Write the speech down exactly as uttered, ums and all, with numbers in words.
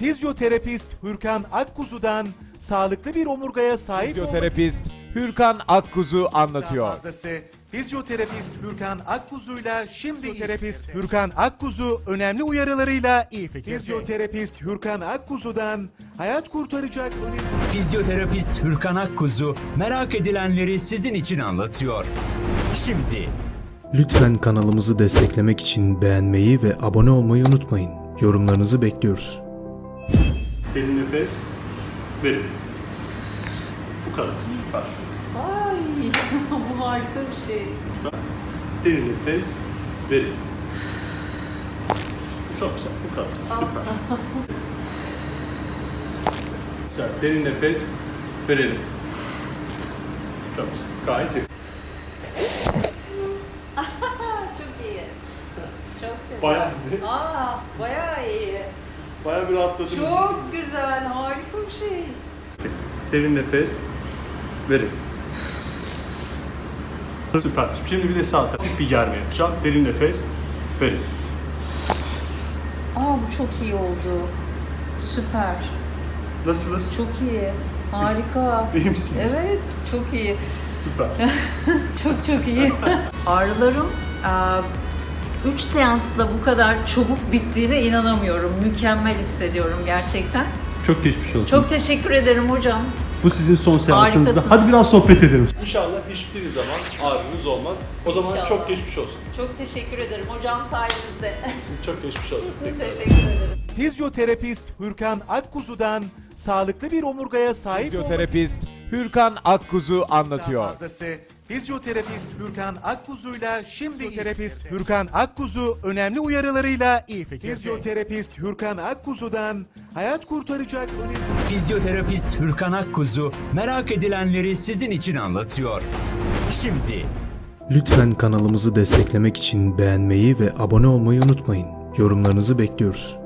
Fizyoterapist Hürkan Akkuzu'dan sağlıklı bir omurgaya sahip Fizyoterapist Hürkan Akkuzu anlatıyor. fazlası. Fizyoterapist Hürkan Akkuzu'yla şimdi fizyoterapist Hürkan Akkuzu önemli uyarılarıyla iyi fikirde. Fizyoterapist Hürkan Akkuzu'dan hayat kurtaracak önemli... Fizyoterapist Hürkan Akkuzu merak edilenleri sizin için anlatıyor. Şimdi Lütfen kanalımızı desteklemek için beğenmeyi ve abone olmayı unutmayın. Yorumlarınızı bekliyoruz. Derin nefes verin. Bu kadar. Süper. Ay bu harika bir şey. Derin nefes verin. Çok güzel. Bu kadar. Süper. Güzel. Derin nefes verelim. Çok güzel. Gayet iyi. Çok iyi. Çok güzel. Bayağı, Aa, bayağı iyi. bayağı bir rahatladınız. Çok güzel, harika bir şey. Derin nefes verin. Süper. Şimdi bir de sağ tarafı bir germe yapacağım. Derin nefes verin. Aa, bu çok iyi oldu. Süper. Nasılsınız? Çok iyi. Harika. İyi misiniz? Evet, çok iyi. Süper. Çok çok iyi. Ağrılarım üç seansla bu kadar çabuk bittiğine inanamıyorum. Mükemmel hissediyorum gerçekten. Çok geçmiş olsun. Çok teşekkür ederim hocam. Bu sizin son seansınızda. Harikasınız. Hadi biraz sohbet edelim. İnşallah hiçbir zaman ağrınız olmaz. O zaman İnşallah. çok geçmiş olsun. Çok teşekkür ederim hocam sayenizde. Çok geçmiş olsun. Tekrar. Teşekkür ederim. Fizyoterapist Hürkan Akkuzu'dan sağlıklı bir omurgaya sahip Fizyoterapist Hürkan Akkuzu anlatıyor. fazlası. Fizyoterapist Hürkan Akkuzu'yla şimdi fizyoterapist Hürkan Akkuzu önemli uyarılarıyla iyi fikirde. Fizyoterapist Hürkan Akkuzu'dan hayat kurtaracak önemli... Fizyoterapist Hürkan Akkuzu merak edilenleri sizin için anlatıyor. Şimdi Lütfen kanalımızı desteklemek için beğenmeyi ve abone olmayı unutmayın. Yorumlarınızı bekliyoruz.